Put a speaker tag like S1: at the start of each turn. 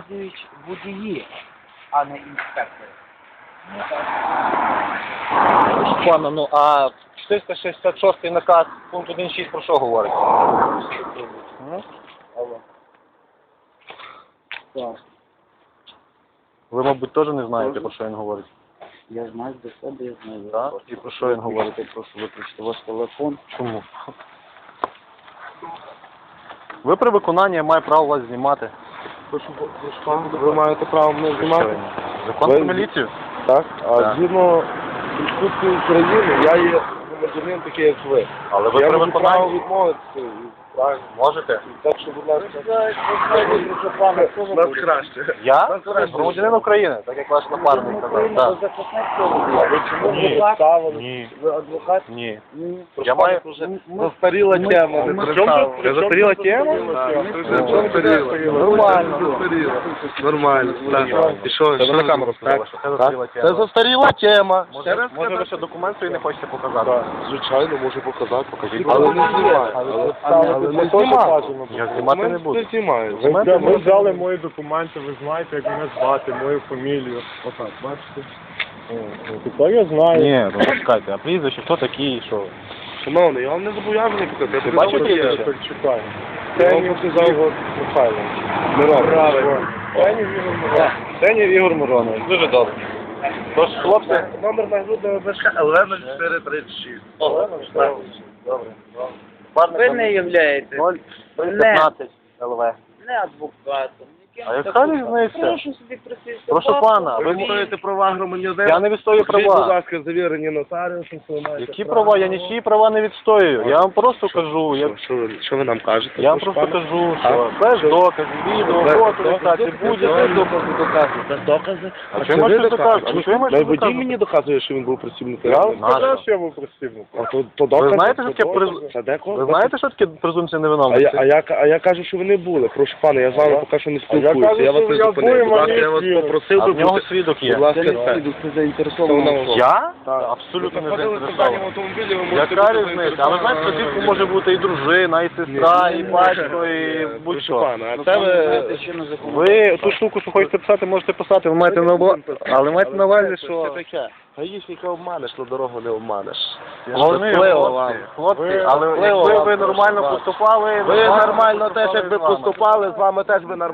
S1: їздять водії, а не інспектори.
S2: Пане, ну а 466 наказ, пункт 1.6 про що говорить?
S1: Так.
S2: Ви, мабуть, теж не знаєте, про що він говорить?
S1: Я знаю до себе, я знаю.
S2: Так? І про що він говорить?
S1: Прошу виключити ваш телефон.
S2: Чому? Ви при виконанні має право вас знімати.
S3: Ви маєте право мене знімати?
S2: Закон про міліцію?
S3: Так. А
S2: Так.
S3: згідно Конституції України, я є громадянин такий, як ви.
S2: Але ви
S3: Я
S2: при
S3: можу право
S2: виконанні
S3: відмовитися. Правильно.
S2: можете?
S3: Так що, будь ласка, нас краще.
S2: Я? Громадянин України, так як ваш напарник казав. Так.
S3: Ви чому
S2: Ні.
S3: не ставили?
S2: Ні.
S3: Ви адвокат?
S2: Ні.
S3: Ні.
S2: Я маю...
S3: Застаріла тема.
S2: Це застаріла тема?
S3: Нормально. Нормально. І що?
S2: Це ви на камеру сказали, що це застаріла
S3: Це
S2: тема.
S3: застаріла тема.
S2: Може ви ще документ свій не хочете показати?
S3: Звичайно, можу показати.
S2: Покажіть.
S3: Але не знімаю. Але не знімаю.
S2: Я знімати не буду.
S3: Не знімаю.
S4: Ви взяли мої документи, ви знаєте, як мене звати, мою фамілію. Отак, бачите? Тепер я знаю.
S2: Ні, ну чекайте, а прізвище, хто такий, що?
S3: Шановний, я вам не зобов'язаний показати.
S2: Ти бачив прізвище?
S4: Так чекаю.
S3: Я вам показав Михайлович. Правильно.
S2: Сенів Ігор Миронович. Дуже добре. Тож, хлопці,
S3: Номер нагрудного значка ЛВ-0436.
S2: добре.
S1: Ви не являєте
S2: 015 ЛВ.
S1: не адвокатом.
S2: А яка різниця?
S1: Прошу собі присісти.
S2: Прошу пана,
S3: Ви
S2: ви
S3: відстоюєте права громадянина?
S2: я не відстоюю
S3: Скажіть, будь
S2: права.
S3: ласка, завірені нотаріусом, що ви маєте
S2: Які
S3: право.
S2: права? Я нічиї права не відстоюю. Я вам просто кажу,
S3: Що ви нам кажете?
S2: я вам
S3: Прошу
S2: просто
S3: пана.
S2: кажу, що без доказів, відео, фото, фіксації, будь-яке.
S3: Без докази.
S2: А що я маю щось доказувати? А що я маю щось
S3: Водій
S2: доказувати?
S3: мені доказує, що він був працівником.
S4: Я вам
S2: Нащо?
S4: сказав, що я був працівник.
S3: А то докази.
S2: Ви знаєте, що таке
S3: Це декого?
S2: ви знаєте, що таке презумпція
S3: А
S2: невиновності?
S3: я кажу, що ви не були. Прошу пана, я з вами поки що не
S4: А я
S3: спілкуюся.
S4: кажу,
S3: Я вас
S4: що
S3: не
S4: я
S3: зупинив.
S4: був,
S3: Будь ласка,
S4: мені
S3: я вас
S4: свідок.
S3: попросив
S2: А
S3: би
S2: в нього
S3: бути.
S2: свідок є.
S3: Будь ласка,
S1: Це
S3: це.
S1: не це заінтересована особа.
S2: Я?
S4: Так.
S2: Абсолютно не
S3: Знаходилися в даному
S2: заінтересований.
S3: автомобілі, ви можете
S2: Яка
S3: бути
S2: різниця? А ви знаєте, що звідки може бути і дружина, і сестра, і батько, і
S3: Прошу
S2: будь-що.
S3: пана, а
S1: Ну,
S3: це ви...
S1: знаєте, що на законі.
S2: Ви ту штуку, що хочете писати, можете писати, ви маєте на увазі, але маєте на увазі,
S3: Це
S2: що...
S3: таке. Гаїшника обманеш, на дорогу не обманеш.
S2: Головне,
S3: Щасливо вам.
S2: хлопці, але
S3: Щасливо
S2: якби
S3: вам,
S2: ви
S3: прошу
S2: нормально
S3: вас.
S2: поступали...
S3: Ви нормально теж, якби
S2: з вами.
S3: поступали, з вами теж би нормально.